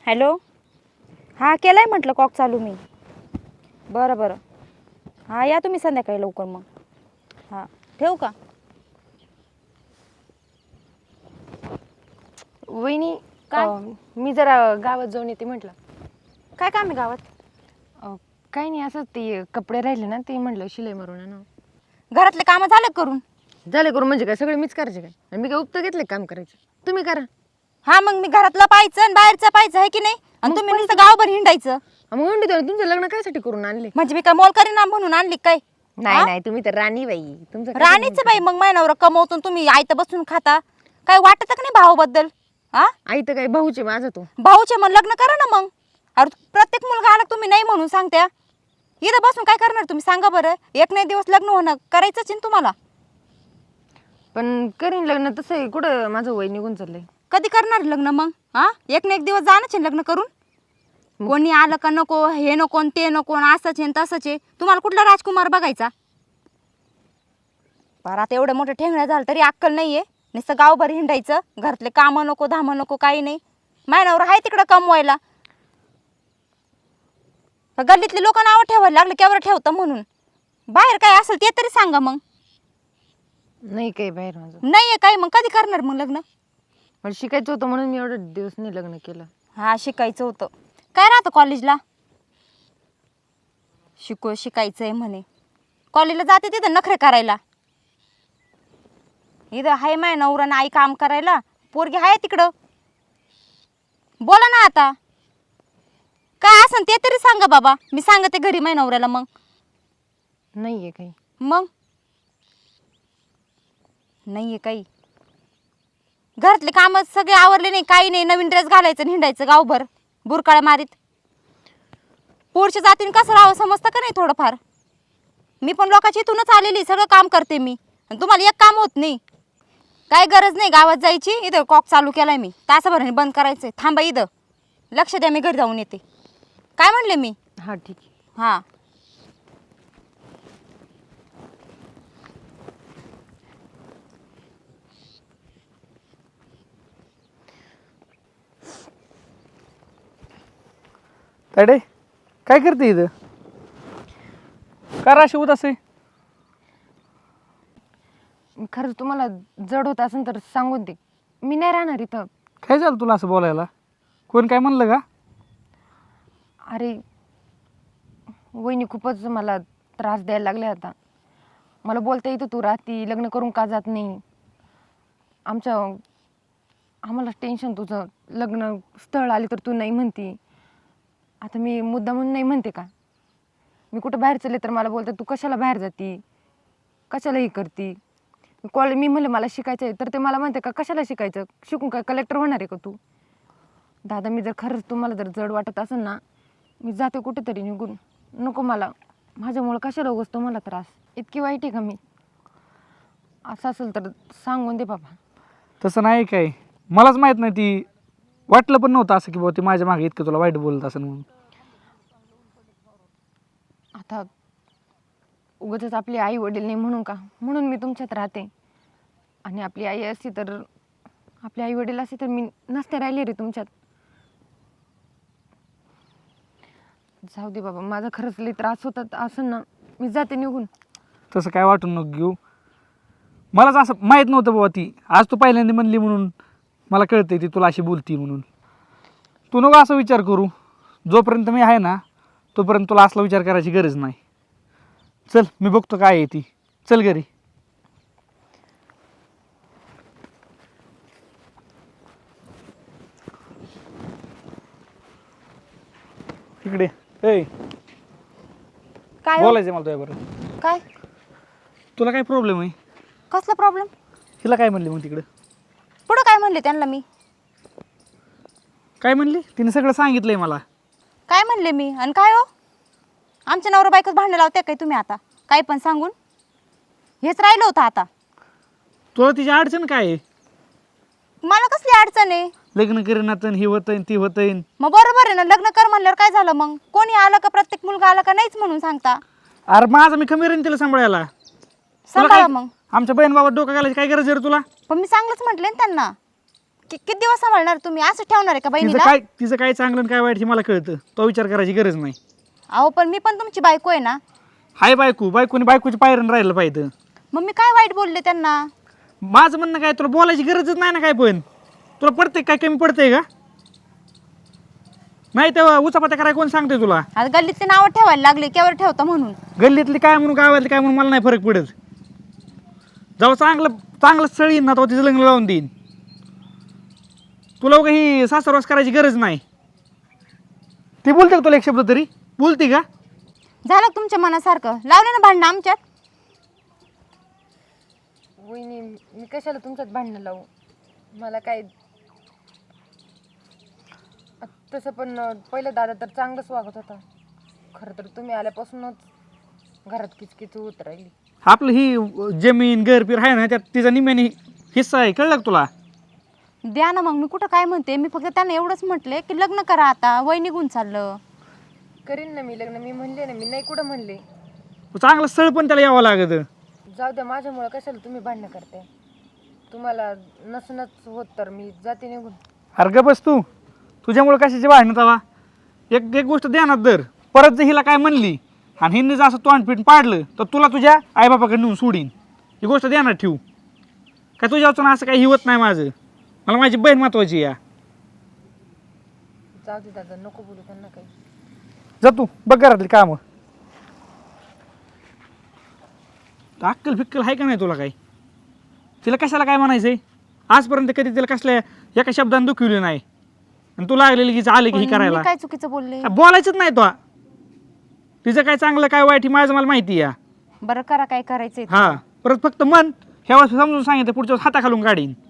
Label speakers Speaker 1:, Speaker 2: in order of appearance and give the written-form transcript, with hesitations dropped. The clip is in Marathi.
Speaker 1: हॅलो. हां केलं आहे म्हटलं कॉक चालू मी. बरं बरं. हां या तुम्ही संध्याकाळी लवकर मग. हां ठेवू का?
Speaker 2: वहिनी
Speaker 1: काय?
Speaker 2: मी जरा गावात जाऊन येते म्हटलं.
Speaker 1: काय काम आहे गावात?
Speaker 2: काही नाही, असंच ते कपडे राहिले ना, ते म्हटलं शिलाई मारून आणू.
Speaker 1: घरातले कामं झालं करून?
Speaker 2: झाले करून म्हणजे काय सगळे मीच करायचे काय? आणि मी काय उपत घेतले काम करायचं? तुम्ही करा.
Speaker 1: हां मग मी घरातलं पाहायचं आणि बाहेरचं पाहायचं आहे की नाही? आणि तुम्ही नुसतं गावभर हिंडायचं.
Speaker 2: मग म्हणते तेव्हा तुमचं लग्न कायसाठी करून आणले?
Speaker 1: म्हणजे मी काय मोल करीना म्हणून आणली काय?
Speaker 2: नाही नाही, तुम्ही तर राणी बाई. तुमचं काय
Speaker 1: राणीच बाई मग महिन्यावर कमवतून तुम्ही आयतं बसून खाता. काय वाटत का नाही भावाबद्दल? हा
Speaker 2: आई तर काय भाऊचे माझा तो.
Speaker 1: भाऊचे मग लग्न करा ना मग. अरे प्रत्येक मुलगा आला तुम्ही नाही म्हणून सांगत्या. इथं बसून काय करणार तुम्ही सांगा बरं? एक नाही दिवस लग्न होणं करायचंच आहे ना तुम्हाला.
Speaker 2: पण करीन लग्न, तसं आहे कुठं माझं वय निघून चाललंय.
Speaker 1: कधी करणार लग्न मग? हा एक ना एक दिवस जाणंच आहे लग्न करून. कोणी आलं का नको, हे नको ते नको, असंच आहे तसंच आहे. तुम्हाला कुठला राजकुमार बघायचा? बरं आता एवढं मोठं ठेंगणं झालं तरी अक्कल नाहीये. नुसतं गावभर हिंडायचं, घरातले कामं नको धामं नको काही नाही. महिन्यावर आहे तिकडं कमवायला. गल्लीतले लोक नावं ठेवायला लागले केवढं ठेवतं म्हणून. बाहेर काय असेल ते तरी सांगा मग.
Speaker 2: नाही काही बाहेर माझं.
Speaker 1: नाहीये काय मग कधी करणार मग लग्न?
Speaker 2: मला शिकायचं होतं म्हणून मी एवढं दिवस नाही लग्न केलं.
Speaker 1: हा शिकायचं होतं. काय राहतं कॉलेजला? शिकायचंय म्हणे. कॉलेजला जाते तिथं नखरे करायला. इथं हाय माय नवरा आई काम करायला, पोरगी हाय तिकडं. बोला ना आता. काय असन ते तरी सांगा बाबा. मी सांगते घरी माय नवऱ्याला मग.
Speaker 2: नाहीये काही.
Speaker 1: मग नाहीये काही. घरातले काम सगळे आवरले नाही काही नाही. नवीन ड्रेस घालायचं आणि हिंडायचं गावभर बुरकाळ्या मारीत. पुढच्या जातीने कसं राहावं समजतं का नाही थोडंफार? मी पण लोकांच्या इथूनच आलेली, सगळं काम करते मी. आणि तुम्हाला एक काम होत नाही. काय गरज नाही गावात जायची. इथं कॉक चालू केलाय मी, तासाभराने बंद करायचंय. थांबा इथं, लक्ष द्या, मी घरी जाऊन येते. काय म्हणले मी?
Speaker 2: हा ठीक आहे.
Speaker 1: हां
Speaker 3: ताडे काय करते इथं? का अशी उदास आहे?
Speaker 2: खरंच तुम्हाला जड होत असेल तर सांगून दे, मी नाही राहणार इथं.
Speaker 3: काय झालं तुला असं बोलायला? कोण काय म्हणलं का?
Speaker 2: अरे वहिनी खूपच मला त्रास द्यायला लागले आता. मला बोलता येतं तू राहती, लग्न करून का जात नाही. आम्हाला टेन्शन तुझं. लग्न स्थळ आले तर तू नाही म्हणती. आता मी मुद्दा म्हणून नाही म्हणते का? मी कुठं बाहेर चालले तर मला बोलतात तू कशाला बाहेर जाती, कशाला हे करती. मी म्हणलं मला शिकायचं आहे तर ते मला म्हणते का कशाला शिकायचं, शिकून काय कलेक्टर होणार आहे का तू. दादा मी जर खरंच तुम्हाला जर जड वाटत असेल ना, मी जाते कुठेतरी निघून. नको मला, माझ्यामुळं कशाला उगाच तुम्हाला त्रास. इतकी वाईट आहे का मी? असं असेल तर सांगून दे बाबा.
Speaker 3: तसं नाही काय, मलाच माहीत नाही. ती वाटलं पण नव्हतं असं की बाबा ती माझ्या मागे इतकं तुला वाईट बोलत असेल म्हणून.
Speaker 2: आता उगाचच आपली आई वडील नाही म्हणून का, म्हणून मी तुमच्यात राहते. आणि आपली आई असती तर, आपले आई वडील असते तर मी नसते राहिले रे तुमच्यात. जाऊ दे बाबा, माझा खरंच लई त्रास होतात असं ना, मी जाते निघून.
Speaker 3: तसं काय वाटून नको घेऊ. मलाच असं माहीत नव्हतं बाबा ती आज तू पहिल्यांदा म्हणली म्हणून मला कळतंय ती तुला अशी बोलती म्हणून. तू नको असं विचार करू. जोपर्यंत मी आहे ना तोपर्यंत तुला असला विचार करायची गरज नाही. चल मी बघतो काय आहे ती. चल घरी. इकडे ए
Speaker 1: काय हो?
Speaker 3: बोलायचं मला तुझ्याबरोबर.
Speaker 1: काय
Speaker 3: तुला काय प्रॉब्लेम आहे?
Speaker 1: कसला प्रॉब्लेम?
Speaker 3: तिला काय म्हणली मग तिकडं?
Speaker 1: पुढं काय म्हणले त्यांना मी?
Speaker 3: काय म्हणली? तिने सगळं सांगितलंय मला.
Speaker 1: काय म्हणले मी? आणि काय हो, आमच्या नवरा बायकोच भांडण लावते काय तुम्ही आता? काय पण सांगून हेच राहिलं होतं आता.
Speaker 3: तुला तिची अडचण काय आहे?
Speaker 1: मला कसली अडचण आहे?
Speaker 3: लग्न करीनात ही होतंय ती होतंय.
Speaker 1: मग बरोबर आहे ना, लग्न कर म्हणल्यावर काय झालं मग? कोणी आलं का प्रत्येक मुलगा आला का नाहीच म्हणून सांगता?
Speaker 3: अरे माझा मी कमी राहीन तिला सांभाळायला.
Speaker 1: सांभाळा मग.
Speaker 3: आमच्या बहीण बाबा डोकं घालायची काय गरज आहे रे तुला?
Speaker 1: पण मी चांगलंच म्हटले ना त्यांना. किती दिवस सांभाळणार तुम्ही? असं ठेवणार आहे का बहिणीला?
Speaker 3: तिचं काय चांगलं आणि काय वाईट हे मला कळतं. तो विचार करायची गरज नाही.
Speaker 1: अहो पण मी पण तुमची बायको आहे ना.
Speaker 3: हाय बायकोने बायकोची पायरण राहिलं पाहिजे.
Speaker 1: मग मी काय वाईट बोलले त्यांना?
Speaker 3: माझं म्हणणं काय, तुला बोलायची गरजच नाही ना काय. पण तुला पडते काय, कमी पडतंय का? नाही तेव्हा उचापत्या करायला कोण सांगते तुला?
Speaker 1: आता गल्लीतले नावं ठेवायला लागले, केव्हा ठेवता म्हणून.
Speaker 3: गल्लीतली काय म्हणून गावातली काय म्हणून मला नाही फरक पडत. जेव्हा चांगलं स्थळ येईन ना तेव्हा तिचं लग्न लावून देईन. तुला काही सासरवास करायची गरज नाही. ती बोलते का तुला एक शब्द तरी? बोलते का?
Speaker 1: झालं का तुमच्या मनासारखं? लावले ना भांडणं आमच्यात.
Speaker 2: वहिनी मी कशाला तुमच्यात भांडणं लावू? मला काय तसं पण पहिलं दादा तर चांगलंच वागत होता. खरं तर तुम्ही आल्यापासूनच घरात किचकिच होत राहिली.
Speaker 3: आपलं ही जमीन घरपीर आहे ना, त्यात तिचा निम्याने हिस्सा आहे. कळलं का तुला?
Speaker 1: द्या ना मग. मी कुठं काय म्हणते, मी फक्त त्यांना एवढंच म्हटले की लग्न करा आता, वय निघून चाललं.
Speaker 2: करीन ना मी लग्न, मी म्हणले ना, मी नाही कुठं म्हणले.
Speaker 3: चांगलं स्थळ पण त्याला यावं लागतं.
Speaker 2: जाऊ द्या, माझ्यामुळं कशाला तुम्ही भांडणं करते? तुम्हाला नसनच होत तर मी जाते निघून.
Speaker 3: अरे गं बस तू. तुझ्यामुळे कशाची भांडणं तवा? एक गोष्ट ध्यानात धर. परत जर हिला काय म्हणली आणि हिने जर असं तोंडपीठ पाडलं तर तुला तुझ्या आईबापाकडे नेऊन सोडीन. ही गोष्ट ध्यानात ठेवू. काय तुझ्या वाचून असं काही हिवत नाही माझं. मला माझी बहीण महत्वाची या.
Speaker 2: जाऊ दे दादा, नको बोलू त्यांना काही.
Speaker 3: जा तू बघ घरातली कामं. अक्कल फिक्कल आहे का नाही तुला काही? तिला कशाला काय म्हणायचंय? आजपर्यंत कधी तिला कसल्या एका शब्दाने दुखवली नाही. आणि तू लागलेली की आले की ही
Speaker 1: पण
Speaker 3: करायला.
Speaker 1: मी काय चुकीचं बोलले?
Speaker 3: बोलायचंच नाही तो. तिचं काय चांगलं काय वाईट हे माझं मला माहिती आहे.
Speaker 1: बरं करा काय करायचंय ते.
Speaker 3: हा परत फक्त मन ह्या वेळेस समजून सांगितलं, पुढच्या वेळेस हाताखालून काढीन.